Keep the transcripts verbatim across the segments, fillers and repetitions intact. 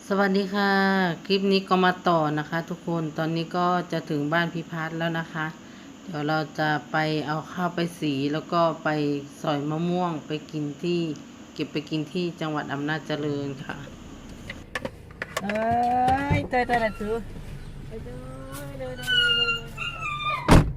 สวัสดีค่ะคลิปนี้ก็มาต่อนะคะทุกคนตอนนี้ก็จะถึงบ้านพิพัฒน์แล้วนะคะ เดี๋ยวเราจะไปเอาข้าวไปสีแล้วก็ไปสอยมะม่วงไปกินที่เก็บไปกินที่จังหวัดอำนาจเจริญค่ะเอ้ยเตยเตยละจูเอ้ยเตยเตยเตยเตย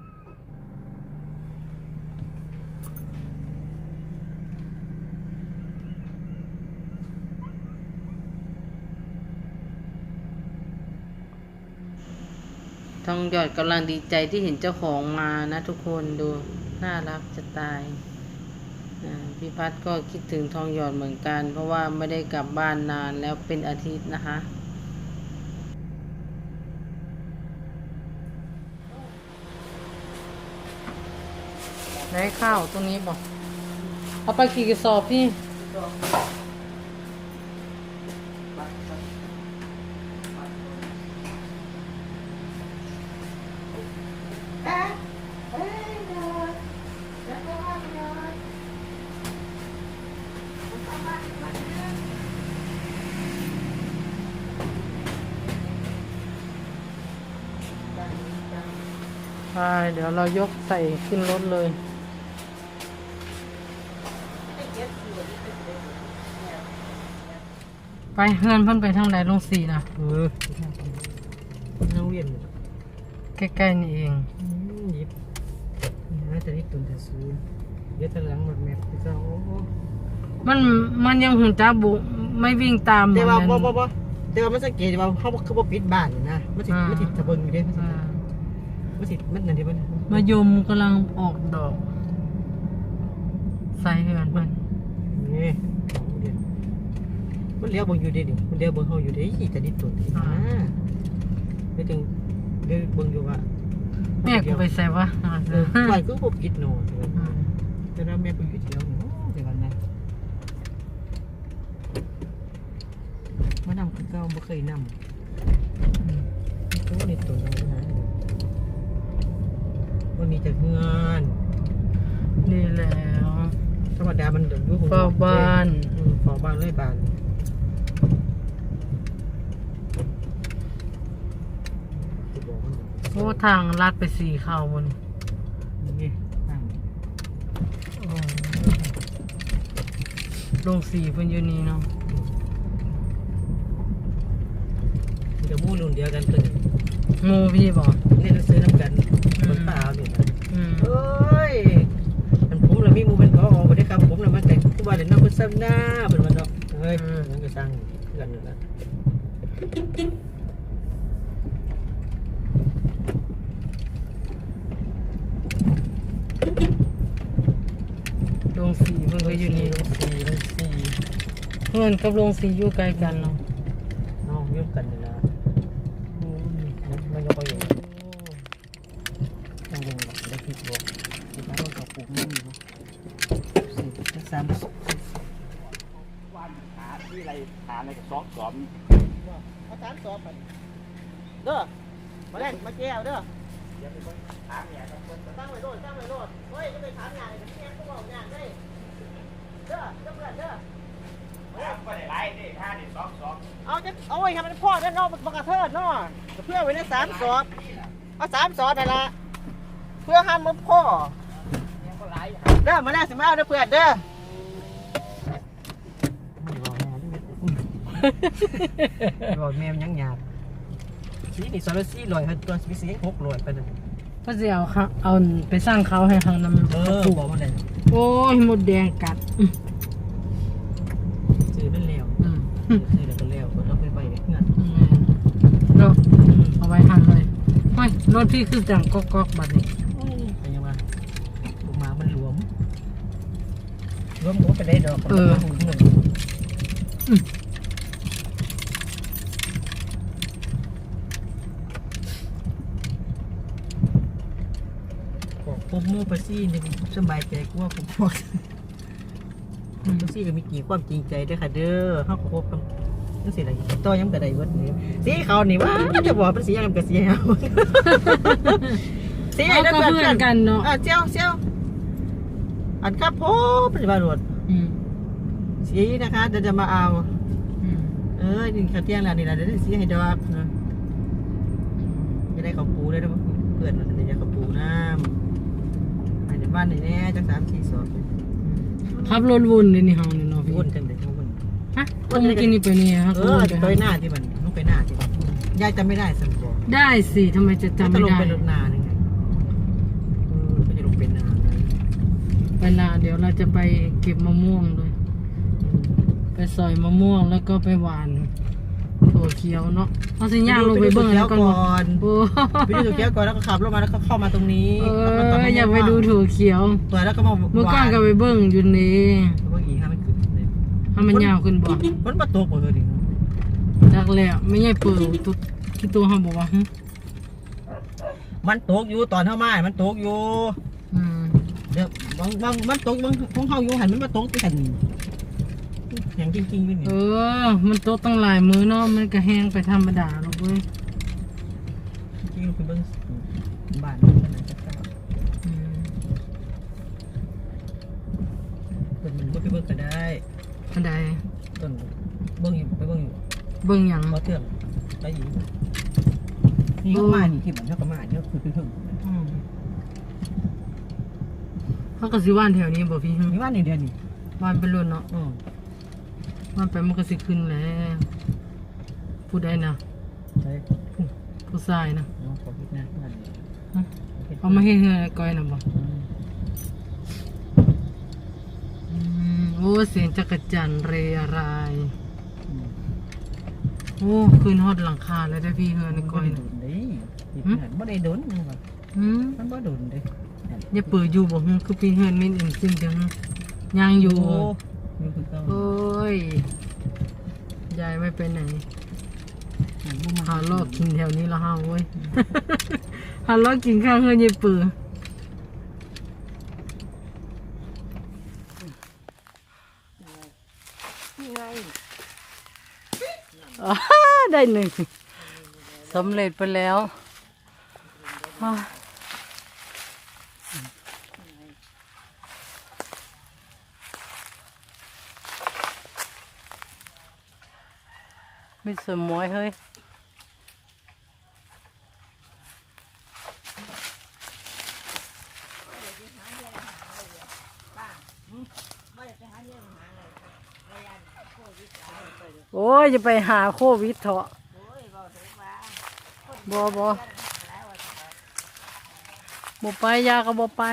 ทองหยอดกำลังดีใจที่เห็นเจ้าของมานะทุกคนดูน่ารักจะตายพี่พัดก็คิดถึงทองหยอดเหมือนกันเพราะว่าไม่ได้กลับบ้านนานแล้วเป็นอาทิตย์นะคะไหนข้าวตรงนี้บอกเอาไปกี่กระสอบพี่ไปเดี๋ยวเรายกใส่ขึ้นรถเลยไปเฮือนเพิ่นไปทางไหนลงสี่นะเออนั่งเวียนใกล้ๆนี่เองยิบนะแต่นี่ตุนแต่ซื้อเดี๋ยวตะหลังรถแมพพี่เจ้าโอ้มันมันยังหุ่นจ้าบุไม่วิ่งตามแต่ว่าบ่บ่บ่แต่ว่ามันสังเกตว่าเขาคือบ่ปิดบ้านนะมันสิมันสิตะเบิงอยู่เด้มันสิมันนั่นดิมันมายมกำลังออกดอกใส่เฮือนเพิ่นนี่มันเลี้ยวเบิ่งอยู่เด้นี่มันเลี้ยวเบิ่งเฮาอยู่เด้แต่นี่ตุนอ่าเดี๋ยวจึงเดี๋ยวเบิ่งอยู่ว่าแม่กูไปใส่วะเออไปก็บ่ปิดโน่แต่ว่าแม่กูอยู่เที่ยวนี่แต่ว่านั้นมานำคือเก่าบ่เคยนำตัวนี้ตัวนี้นะวันนี้จะเฮือนนี่แล้วธรรมดามันอยู่เฝ้าบ้านเฝ้าบ้านเลยบ้านโอ้ทางลัดไปสี่เข้าบนนี่ลงสี่เพิ่นอยู่นี่เนาะจะมู่รุ่นเดียวกันตึงงูพี่บอกนี่เราซื้อน้ำกันคนเปล่าเนี่ยเอ้ยมันผมเลยมีมูเป็นเขาออกไปได้ครับผมเลยมันแต่ทุกวันเลยน้องคนซ้ำหน้าเป็นวันเนาะเฮ้ยมันก็สร้างกันอยู่แล้วลงสีเพิ่นก็อยู่นี่ลงสีลงสีเพื่อนกับลงสีอยู่ใกล้กันเนาะน้องยุ่งกันเลยนะมันก็ไปอยู่ต้องลงหลักได้ผิดบอกที่เขาเขาปลูกไม่มีนะสี่สามวันหาที่อะไรหาในกระสอบสอบเอาสามสอบไปเด้อมาแรงมาแก้วเด้อหาเนี่ยตั้งไว้โลดตั้งไว้โลดเฮ้ยจะไปถามงานแต่ที่แม่ก็บอกงานได้เด้อเด้อเพื่อนเด้อก็ได้ไรนี่ห้าดิสองสองเอาจะเอาไว้ทำเป็นพ่อได้นอกบังกระเทิดนอเพื่อไว้ในสามสอบเอาสามสอบได้ละเพื่อห้ามมันพ่อเด้อมาแรกสิมาเอาเด้อเพื่อนเด้อบอกแม่ยังหยาบสีนี่โซลาซี่ลอยตัวสีสีหกลอยไปเลยก็จะเอาเขาเอาไปสร้างเขาให้ทางน้ำเออบอกมาเลยโอ้ยหมดแดงกัดซื้อเป็นเลี้ยวซื้อแล้วก็เลี้ยวก็ต้องไปไปเงินเนาะเอาไว้ทันเลยเฮ้ยรถพี่คือจังก๊อกก๊อกบัดนี้เป็นยังไงลงมามันหลวมรวมหัวไปได้ดอกเออผมมูปซี่นี่สบายใจกว่าผมพวกปซี่ก็มีกี่ความจริงใจด้วยค่ะเด้อเขาคบกันนั่นสิอะไรต่อย้ำกระไดวัดนี้สีเขานี่ว่าจะบอกเป็นสียังกับสีเอาสีอะไรนั่นเพื่อนกันเนาะอ่ะเจ้าเจ้าอันครับพ่อปฏิบัติหมดสีนะคะจะจะมาเอาเอออนี่ข้าวเที่ยงแล้วนี่ล่ะเดี๋ยวสิให้ดอกนะจะได้ข้าวปูได้เด้อเพื่อนมันจะได้ข้าวปูน้ำให้ในบ้านนี่แน่จักสามสี่สอบขับรถวนเลยนี่เฮานี่เนาะพี่วนจังได๋วนฮะต้องมากินนี่ไปนี่ฮะเอก็อวนจะไปไปหาหน้าที่มันต้องไปหน้าที่มันยายจำไม่ได้สันบอกได้สิทำไมจะจำไม่ลงได้ไปรถนาหนึ่งไงเออก็จะลงเป็นนาไงไปนาเดี๋ยวเราจะไปเก็บมะม่วงด้วยไปซอยมะม่วงแล้วก็ไปหวานถั่วเขียวเนาะเอาสิย่างลงไปเบิ่งแล้แล้ว วก่ก่ออนนโอ้ไปดูตัวแก้วก่อนแล้วก็ขับรถมาแล้วก็เข้ามาตรงนี้เอแล้วก็ตอนอนั้นอยากไปดูถั่วเขียวตัวแล้วก็มาเมื่อก่อนก็ไปเบิ่งอยู่นี่เมื่อกี้ห้าไม่ขึ้นเลยให้มันยาวขึ้นบ่มันมาตกหมดเลยดิจักแล้วไม่ใช่เปิดตัวที่ตัวเขาบอกว่าหึมันตกอยู่ตอนเข้ามามันตกอยู่อืมเดี๋ยวบางบางมันตกบางของเขาอยู่หันมันมาตกไปกันอย่างจริงๆไม่มีเออ มันโตตั้งหลายมื้อเนาะมันก็แห้งไปธรรมดาหรอกเว้ยจริงๆคือเบิ้งบ้านมันขนาดจะเก้าอืมต้นมันก็ไปเบิ้งก็ได้อันใดต้นเบิ้งอยู่ไปเบิ้งอยู่เบิ่งหยังเขาเถื่อนได้ยินนี่เขามานี่ที่มันเขาก็มาเนี่ยคือคืออืมเขาก็สิว่านแถวนี้บ่พี่หึนี่ว่านี่เดียวนี่ว่านไปรุ่นเนาะอืมว่านไปมันก็สิขึ้นแหล้วผู้ใดนะใช่ผู้ชายนะน้องขอพิจารณาบ้านนี่ฮะเอามาให้เฮือก้อยน่ะบ่อืมอืมโอ้เสียงจักรจันทร์เรไรายอืมโอ้ขึ้นฮอดหลังคาแล้วได้อพี่เฮือในก้อยโดน่ะนเด้ที่เพื่อนบ่ได้โดนยังว่าหืมมันบ่โดนเด้อย่าเปิดอยู่บ่ฮึคือพี่เฮือนมินอิ่มซิมจังยังอยู่อยู่คือเก่าโอ้ย ยายไม่ไปไหน หาลอกกินแถวนี้ละห้าเว้ย หาลอกกินข้างเฮือนยายปืออ๋อได้หนึ่งสำเร็จไปแล้วอ้าวไม่สมวยเฮ้ย โอ้ยจะไปหาโควิดเถอะบอบอบไปยาก็บอไป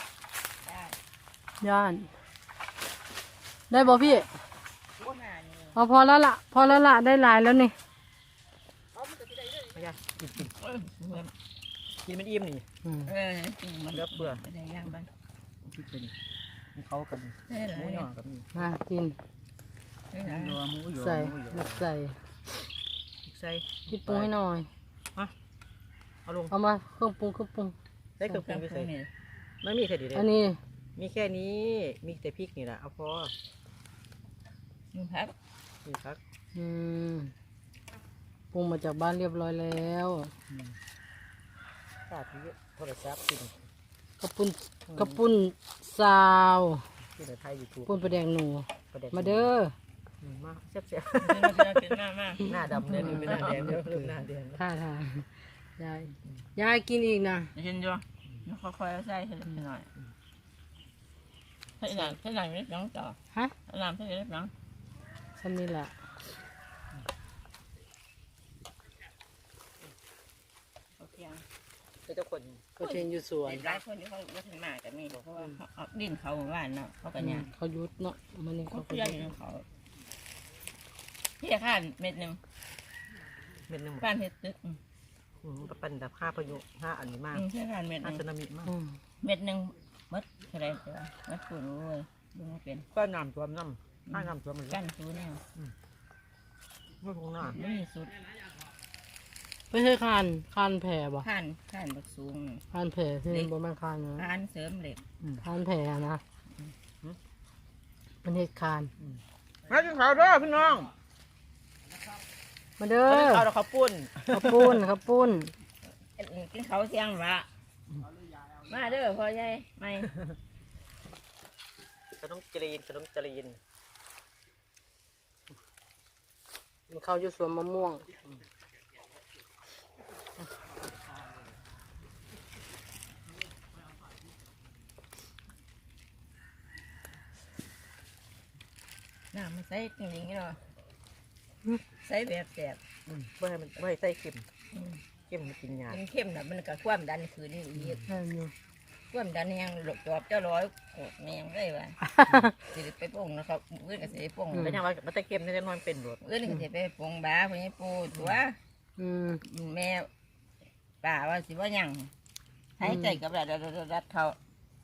ย่านได้บอพี่เอาพอแล้วล่ะ พอแล้วล่ะได้หลายแล้วนี่ไม่ได้กินกินกินมันอิ่มนี่อืมเออมันเลือกเบื่อได้ย่างบ้างคิดไปนี่มีเขากับมีได้หหลามูยหย่อกับมีมากินได้หลายนัวหมูหย่อใส่หมูหย่อลูกใส่ใส่พี่ปรุงให้หน่อยเอาลงเอามาเครื่องปรุงเครื่องปรุงได้เครื่องปรุงไปใส่นี่ไม่มีใส่ดีเลยอันนี้มีแค่นี้ มีแต่พริกนี่แหละเอาพอมีพักมีพักอืมปรุงมาจากบ้านเรียบร้อยแล้วกาดที่โทรศัพท์กินกระปุ้นกระปุ้นซาวที่ในไทยยูทูบปุ้นประแดงหนูประเด็นมาเด้อมาแซ่บเป็นมากมากๆหน้าดำเนี่ยเป็นหน้าแดงเดี๋ยวเริ่มหน้าแดงแล้วท่าทางยายยายกินอีกนะเห็นอยู่แล้วค่อยๆใส่ให้หน่อยให้หนังให้หนังนิดน้องต่อฮะให้หนังให้นิดน้องฉันนี่แหละโอเคเจ้าคนก็เชนอยู่สวนหลายคนที่เขาไม่ถึงมากแต่มีเพราะว่าเขาดินเขาหมู่บ้านเนาะเขาก็เนี่ยเขายุดเนาะมันนี่เขาเขาก็เพื่อยุอยู่ดเขาพี่ข้านเม็ดหนึ่งเม็ดหนึ่งบ้านเฮ็ดตึกก็เป็นแบบห้าพายุห้าอันนี้มากพี่ข้านเม็ดหห้านึ่งสึนามิมากอืมเม็ดหนึ่งมัดอะไรเจ้ามัดปูนเลยดูไม่เป็นก็น้ำท่วมน้ำห้าน้ำท่วมมันกั้นซูเนี่ยไม่คงหน้าไม่มีสุดไม่ใช่คานคานแผ่บ่ข้านข้านบักสูงคานแผ่ที่มันบ่แม่นคานนะข้านเสริมเหล็กคานแผ่นะมันเฮ็ดคานมากินข้าวเด้อพี่น้องมาเด้อมากินข้าวเด้อข้าวปุ้นข้าวปุ้นข้าวปุ้นกินเขาเสียงวะมาเด้อพ่อใหญ่ไม่ขนมจีนขนมจีนกินข้าวอยู่สวนมะม่วงน้ำมันใส่จริงๆเนาะใส่แบบแสบอืมบ่ให้มันบ่ให้ใส่เค็มเค็มมันกินยากกินเข้มน่ะมันก็ความดันคืนนี่อีกใช่อยู่ความดันยังหลบจอบเจ้าร้อยโกดแมงเลยว่ะ สิไปปงนะครับเอื้อนก็สิไปปงเป็นยังว่ามันใส่เค็มนี่จะนอนเป็นโดดเอื้อนก็สิไปปงบ้าพวกนี้ปูตัวอืมแม่ป่าว่าสิว่าหยังหายใจกับรัดรัดรัดเขา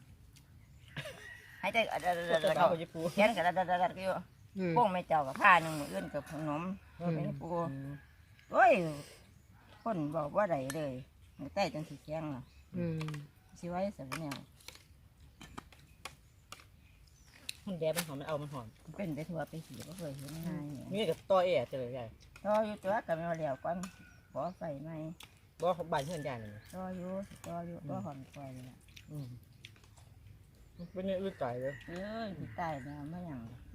หายใจกับรัดรัดรัดเขาญี่ปุ่นแขนกับรัดรัดรัดก็อยู่อืมปงไม่เจ้ากับผ้าหนึ่งเอื้อนกับขนมพวกนี้ปูโอ้ยคนบอกว่าไรเลยใต้จนสีแข็งล่ะอืมสิไว้สักแนวมันแดดมันหอมมันเอามันหอมเป็นไปทั่วไปสีก็เคยเห็นง่ายเนี่ยนี่กับต่อแอร์จะเลยใหญ่รออยู่ตัวกับแมวเหลียวก่อนขอไฟไหมบ่บ้านเพื่อนใหญ่เลยรออยู่รออยู่รอหอนคอยเลยล่ะอืมเป็นเนี่ยอื้อใจเลยเอ้ยที่ใต้เนี่ยไม่อย่างคน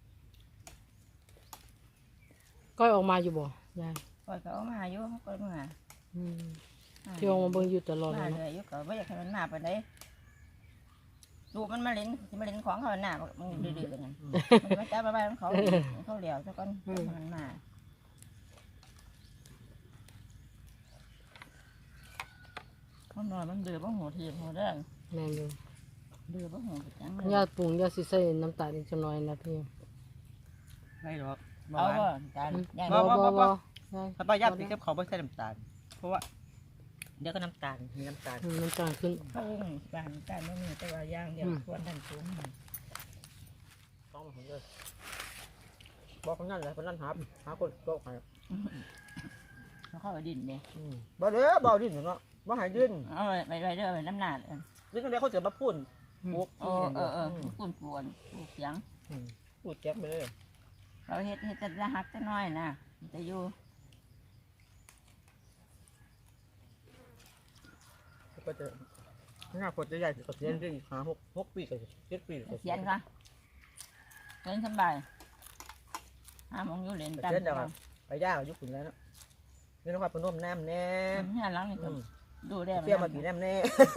ก้อยออกมาอยู่บ่ยายคอยเขาเอามาอยู่เขาก็มาอืมที่ออกมาเบิ่งอยู่ตลอดเลมายเนาะเลยอยู่ก็ไม่อยากให้มันมาไปไหนดูมันมาเล่นสิมาเล่นของเขาหน้ามันดื้อๆกันนั่นมันมาจับมาบ้านเขาเขาเหลียวซะก่อนมันมาเขานอนมันดื้อบ้างหัวทีหัวเรื่องแม่นอยู่ดื้อบ้างหัวจังยาปรุงยาสิใส่น้ำตาลอีกจักหน่อยนะพี่ไม่หรอกเอาบ่จานยายบ่บ่บ่บ่ยายถ้าป้าย่าติดกับเขาไม่ใส่น้ำตาล เพราะว่า เดี๋ยวก็น้ำตาลมีน้ำตาลอืมน้ำตาลขึ้นเขาบ้านการไม่มีแต่ว่าย่างเดียวควรดันสูงต้องมาเลยบอกคนนั้นเลยคนนั้นหาหาคนโต๊ะให้เขาเข้าดินเนี่ยอืมบ่เด้อบ่ดิ้นเนาะบ่หายดิ้นเอาไปไปเด้อไปน้ำหนาดดิ้นกันได้เขาจะมาพูดปุ๊กเออเออเออปุ่นปวนปูเสียงพูดแจ๊บไปเลยเราเฮ็ดเฮ็ดจะหักจะน้อยนะจะอยู่ก็จะหน้าคนจะใหญ่ก็เสียนได้อีกหาหกหกปีก็เจ็ดปีก็เสียนค่ะเล่นสบายห้ามองอยู่เล่นตามเสียนเดี๋ยวไปย่ายุคขุนแล้วเนาะนี่นะครับพนมน้ำแน่เนี่ยหลังนี่ก็ดูได้เสียมาผีน้ำแน่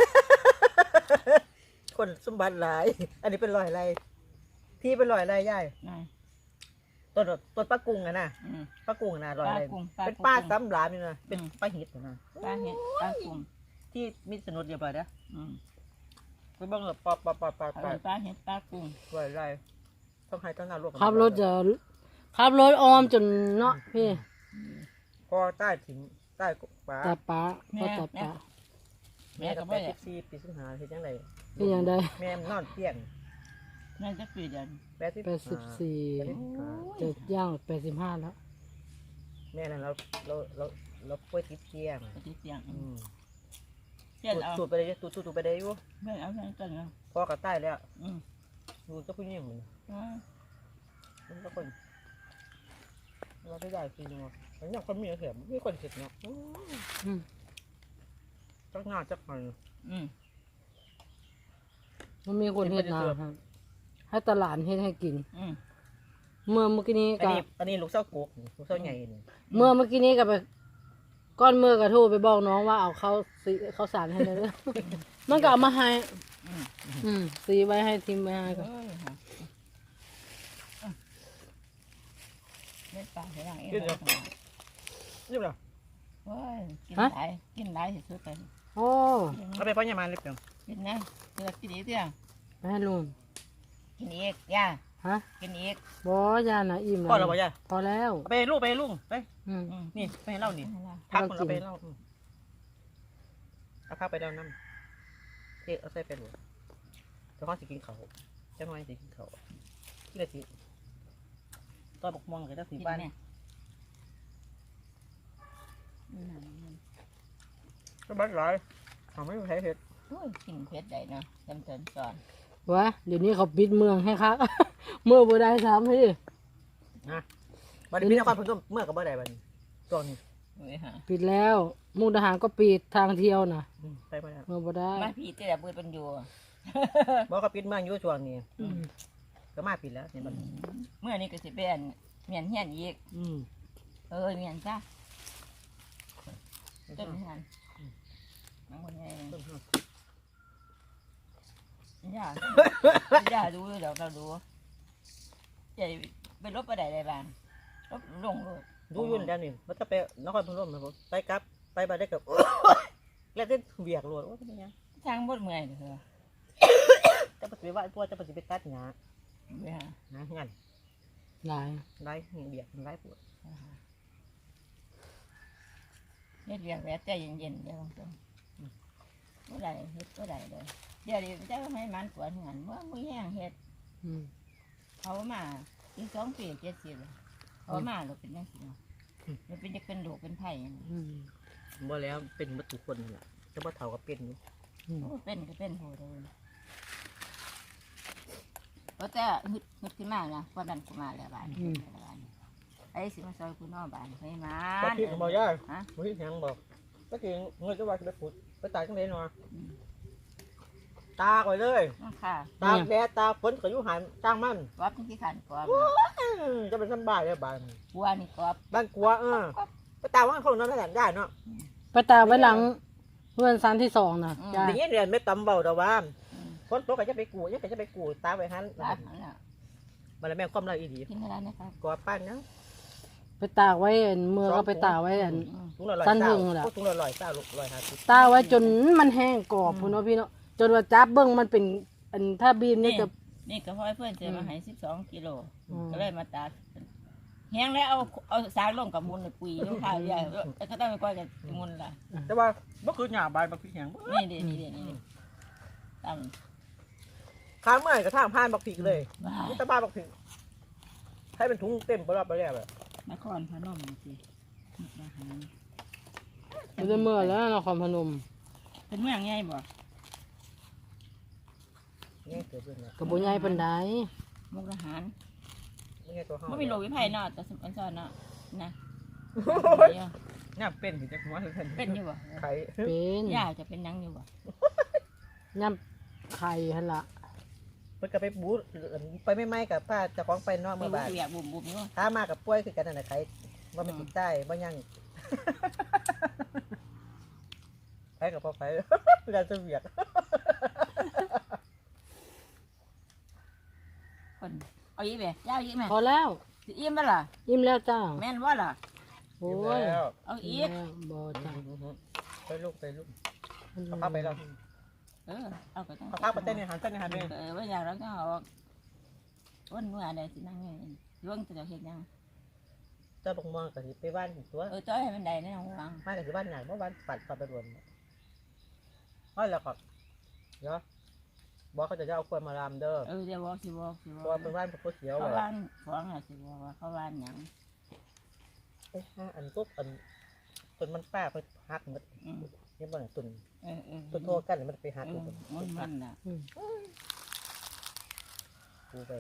คนสมบัติหลาย อันนี้เป็นรอยอะไรที่เป็นรอยอะไรย่ายต้นต้นปลากุ้งอะนะปลากุ้งนะรอยอะไรเป็นป้าซ้ำหลามนี่นะเป็นปลาหิดนะปลาเห็ดปลากุ้งที่มิสนุดเดียวไปนะอืมไปบ้างแบบปลาปลาปลาปลาปลาปลาเห็ดปลากุ้งรอยอะไรต้องให้ต้องงานรวบขับรถจะขับรถออมจนเนาะพี่พอใต้ถึงใต้ปลาตาป้าพ่อตาป้าแม่กับแปดสิบสี่ปีสิงหาเห็นยังไงเป็นยังไงแม่นอนเตียงนั่นจะปีเดือนแปดสิบแปดสิบสี่จะย่างแปดสิบห้าแล้วแม่นั่นเราเราเราเราป่วยติดเตียงปฏิเสียงอืมเจ็ดเอาตูดไปเลยตูดตูดไปเลยอยู่ไม่เอาเงินกันเนาะพอกับใต้แล้วอืมดูเจ้าผู้หญิงมันอ๋อมันก็คนเราไม่ได้จริงเนาะมันยังคนมีเสียมีคนเสร็จเนาะอืมจักงานจักมันอืมมันมีคนเฮ็ดนาครับให้ตลาดเฮ็ดให้กินอืมเมื่อเมื่อกี้นี้อันก็นี้อันนี้ลูกเส้ากุกลูกเส้าใหญ่นี่เมื่อเมื่อกี้นี้ก็ไปก้อนมือก็โทรไปบอกน้องว่าเอาข้าวสีข้าวสารให้เลยเด้อ มันก็เอามาให้อืมอืมสีไว้ให้ทิมไว้ให้ก่อนเอ้ยค่ะเล่นปลาเสียงเองรีบเหรอโอ้ยกินหลายกินหลายที่สุดเลยโอ้เอาไปพ่อเนี่ยมาเรียบยังกินนะเลือกกินอีกเดียวไปให้ลุงกินอีกย่าฮะกินอีกบ่ยานะอิ่มพ่อแล้เราวบ่ยายพอแล้วเอาไปลูกไปลูกไปอืมอืมนี่ไปให้เล่านี่เอาล่ะพักคนเอาไปเล่าอืมเอาพักไปเล่าน้ำเด็กเอาใส่ไปหลวงเจ้าข้อสิกินเขาเจ้าน้อยสิกินเขาที่ละทีตอนบกมองกับเจ้าสีกินบ้านแม่อืมก็บ้านหลายทำไม่มีใครเห็ดโอ้ยกินเผ็ดได้เนาะจำเตินสอนวะเดี๋ยวนี้เขาปิดเมืองให้ครับ เมื่อบ่ได้ถามพี่นะบัดนี้พี่นครพนมเมื่อกับบ่ได้บัดนี้ตัวนี้เว้ยฮะปิดแล้วมุกดาหารก็ปิดทางเที่ยวน่ะอืมไปบ่ได้เมื่อบ่ได้มาพี่แต่ละเบื่อเป็นอยู่บอกก็ปิดเมืองอยู่ช่วงนี้อืมก็มาปิดแล้วเนี่ยบัดนี้เมื่อนี้ก็สิเป็นเมียนเฮียนอีกอืมเออเมียนจ้าต้นเงินน้องคนนี้ย่าย่าดูเดี๋ยวเราดูจะไปลบไปไหนได้บ้างลบลงเลยดูยุ่นแล้วนี่มันจะไปนครพนมนะผมไปกลับไปบ้านได้กับแล้วได้เบียกรวดโอ้ยเป็นยังทางบดเมื่อยเลยจะไปว่าพวกจะไปไปตัดหญ้าเบื่อหญ้างั้นหลายไล่เบียกไล่ปวดเฮ็ดเรียกแวะใจเย็นๆเดี๋ยวตรงๆบ่ได้เฮ็ดบ่ได้เลยเดี๋ยวนี้จะให้มันปวดหันเมื่อมือแห้งเฮ็ดอืมเขามาอีกสองปีเจ็ดสิบเขามาเราเป็นยังไงมันเป็นจะเป็นโรคเป็นไผ่อืมบ่แล้วเป็นมาทุกคนนั่นแหละจะมาเท่ากับเป็นอยู่อืมเป็นก็เป็นโหดเลยเพราะแต่ฮึดฮึดขึ้นมานะความดันกูมาแล้วบ้านไอ้สิมาซอยกูนอกบ้านให้มาตะกี้ก็บอกย่าฮะบ่ที่ยังบอกตะกี้เงินจะว่าจะไปขุดไปตายจังได๋เนาะตากไว้เลยน้องค่ะตากแดดตากฝนก็อยู่หันจ้างมันกรอบที่ขันกรอบอืมจะเป็นสบายเลยบ้านบัวนี่กรอบบ้านกลัวเออไปตากว่าคนนั้นได้ได้เนาะไปตากไว้หลังเพื่อนซันที่สองนะจ้าอย่างนี้เรียนไม่ตำเบาแต่ว่าฝนตกก็จะไปกูยังก็จะไปกูตากไว้หันร้านนั่นแหละมันแล้วแม่ความเราอีดีกินอะไรนะครับกลัวป้านเนาะไปตากไว้อันเมื่อก็ไปตากไว้อันถุงละร้อยสั้นเศร้าหึงเหรอถุงละร้อยเศร้าร้อยห้าสิบตากไว้จนมันแห้งกรอบพุ่นเนาะพี่เนาะจนว่าจับเบิ้งมันเป็นอันถ้าบีมนี่จะนี่ก็พ่อเพื่อนเจอมาให้สิบสองกิโลอืมก็เลยมาตัดแห้งแล้วเอาเอาสารลงกับมูลในปุ๋ยลูกค้าใหญ่แล้วก็ต้องไปก้อยกับมูลล่ะแต่ว่าบ่คือหญ้าใบบักพริกแห้งบ่นี่ดินี่ดินี่ดิตามข้างเมื่อยกระทั่งผ่านบักพริกเลยบ้านี่ตะบ้าบักพริกให้เป็นถุงเต็มบ่รอบไปแล้วแบบนครพนมสิมาหาอยู่ในเมื่อแล้วนครพนมเป็นเมืองใหญ่บ่นี่เกิดขึ้นแล้วกับบุญใหญ่ปันไดมุกทหารนี่ไงตัวเฮาไม่มีโรควิภัยเนาะแต่สมัยก่อนเนาะนะเนี่ยเป็นถึงจะหัวถึงเป็นอยู่บ่ไข่เป็นย่าจะเป็นนังอยู่บ่ย่ำไข่หั่นละมันก็ไปบู๊ไปไม่ไหม้กับป้าเจะของไปนอกเมื่เมื่ออบ่บานอยากบุ่มบุ่มอยู่ถ้ามากับป่วยคือกันนั่นแหละไข่ว่ามันติดใต้ว่ายังไข่กับพ่อไข่เวลาจะเบียดคนเอาอีกแม่ย่าอีกแม่พอแล้วสิอิ่มบ่ล่ะอิ่มแล้วจ้าแม่นบ่ล่ะโอ้ยเอาอีอิ่กมแล้วบ่จ้าไปลูกไปลูกเขาพาไปแล้วเออเอาก็ต้องเขาพาไปเต้นในหันเต้นในหันเลยเออว่าอยากแล้วก็เอาวันเมื่อใดสินั่งอยู่ร่วงจะเฮ็ดยังเจ้าบงมองกับไปบ้านตัวเออจ้อยให้มันได้ในห้องวางมากับบ้านไหนเมื่อวานปัดปัดไปรวมว่าแล้วครับเนาะบอกเขาจะเอาควายมาลามเด้อเออเดี๋ยวบอกสิบอกสิบเพราะอว่าก เป็นบ้านพวกเขียวเขาเลยบ้านของอ่ะสิบอกว่าเขาบ้านหยังเอ้ยอันกุ๊กอันต้นมันป้าไปหักหมดอืมนี่มันต้นเออเออต้นโทษกันมันไปหักอืเลยมมันมันน่ะกูไป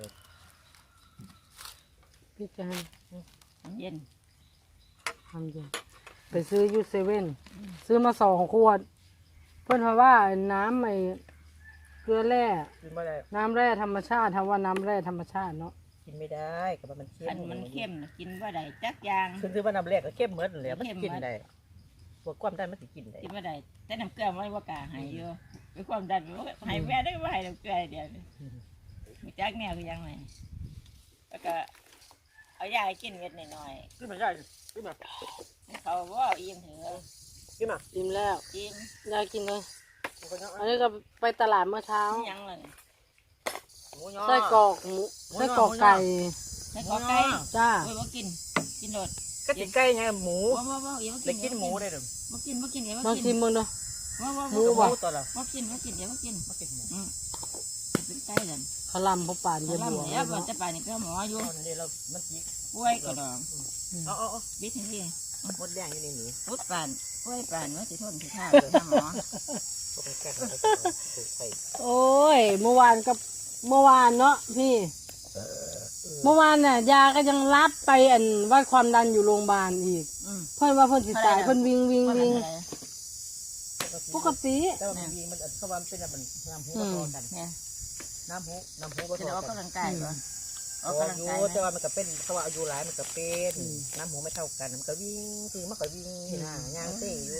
พี่จะให้มันเย็นทำอยู่ไปซื้อยูเซเว่นซื้อมาสองขวด เพื่อนเพราะว่าน้ำไอ้เกลือแร่กินไม่ได้น้ำแร่ธรรมชาติทำว่าน้ำแร่ธรรมชาติเนาะกินไม่ได้กับมันเค็คันมมันเข้มน่ะกินว่าได้จักอยางคือคือว่าน้ำแรกก็เข้มเหมือนเลยมันกินได้พวกความดันมันสิกินได้กินว่าได้แต่น้ำเกลือไม่ว่ากล้าใหายอยู่ไปความดันว่าใหายแม่ได้ว่าใหายน้ำเกลือเดียวนี่มีจักแนวคือยังไงแล้วก็เอายาให้กินเม็ดหน่อยกินไม่ได้กินมาๆเขาว่าเอาอิ่มเถอะกินมาอิ่มแล้วกินได้กินเลยหมูยออันนี้ก็ไปตลาดเมื่อเช้ายังเลยหมูยอไส้กรอกหมูไส้กรอกไก่ใส่กอไก่จ้าโอ้ยว่ากินกินโดดก็ติดใกล้ไงหมูว่าว่าว่าอย่ามาได้กินกินหมูได้หรือว่ากินว่ากินเดี๋ยวมาว่าชิกิมนมึงดูว่าว่าหมูหบ่มูตัวละว่ากินว่ากินเดี๋ยวว่ากินมากินหมูอืมเป็นไก่เลยขลำพอป่านเย็เดี๋ยนวบัวเดี๋ยวก่อนจะไปนี่ก็หมออยู่เอาเนี่ยเรามันจิกป่วยก็ดองเอาเอาเอาบิดที่นี่หมดแดงอยู่ในนี้พุดป่านป่วยป่านว่าสิทนสิท่าไปหาหมอก็ไปแก้กันใส่โอ้ยเมื่อวานกับเมื่อวานเนาะพี่ เมื่อวานน่ะยาก็ยังรับไปอันวัดความดันอยู่โรงพยาบาลอีกอืมเพื่อนว่าเพื่อนสิตายเพื่อนวิ่งวิ่งว่าวิ่งอะไรปกติแต่ว่ามันมันสวรรค์เป็นอะไรมันน้ำหูก็พอกันเนี่ยน้ำหูน้ำหูก็จะพอออกกันกำลังกายก่อนออกกำลังอยู่กายแต่นะว่ามันก็เป็นเขาว่าอายุหลายมันก็เป็นน้ำหูไม่เท่ากันมันก็วิ่งคือมันก็วิ่งนี่นะย่างเต้อยู่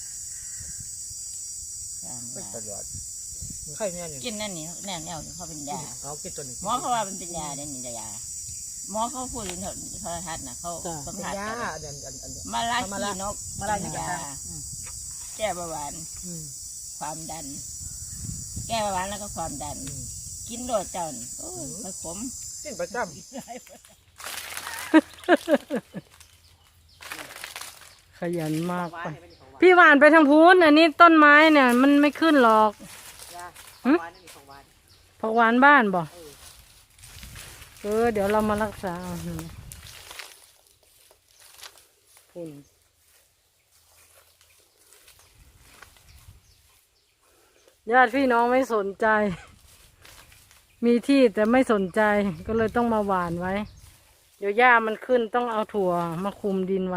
เป็นตลอดไข่เนี่ยนี่กินนั่นนี่แนวแนวนี่เขาเป็นยาเอากินตัวนี้หมอเขาว่ามันเป็นยาเด่นนี่ยาหมอเขาพูดในโทรทัศน์นะเขาสัมเป็นผัสยากันอันอันอันมาลาคีนกมาลาอย่างยาไรแก้เบาหวานความดัน แก้เบาหวานแล้วก็ความดัน กินโดดเจ้านี่โอ้ยมันขมกินประจขยันมากำไปพี่หวานไปทางพูนอันนี้ต้นไม้เนี่ย มันไม่ขึ้นหรอกหึของหวานนี่ของหวานผักหวานบ้านบ่เออเดี๋ยวเรามารักษาเอาพุ่นญาติพี่น้องไม่สนใจ มีที่แต่ไม่สนใจก็เลยต้องมาหว่านไว้ เดี๋ยวหญ้ามันขึ้นต้องเอาถั่วมาคุมดินไว้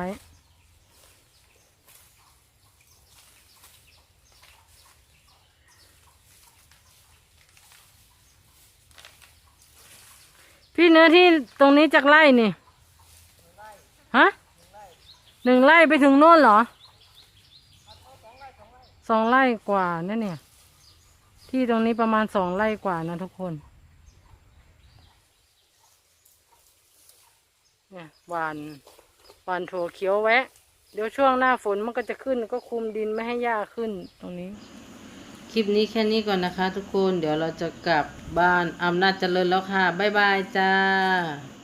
พี่เนื้อที่ตรงนี้จากไร่นี่ ฮะหนึ่งไร่ไปถึงโน่นเหรอ สองไร่กว่านั่นเนี่ย ที่ตรงนี้ประมาณสองไร่กว่านะทุกคน เนี่ยหวานหวานถั่วเขียวแวะ เดี๋ยวช่วงหน้าฝนมันก็จะขึ้นก็คุมดินไม่ให้หญ้าขึ้นตรงนี้ คลิปนี้แค่นี้ก่อนนะคะทุกคน เดี๋ยวเราจะกลับบ้านอำนาจเจริญแล้วค่ะ บ๊ายบายจ้า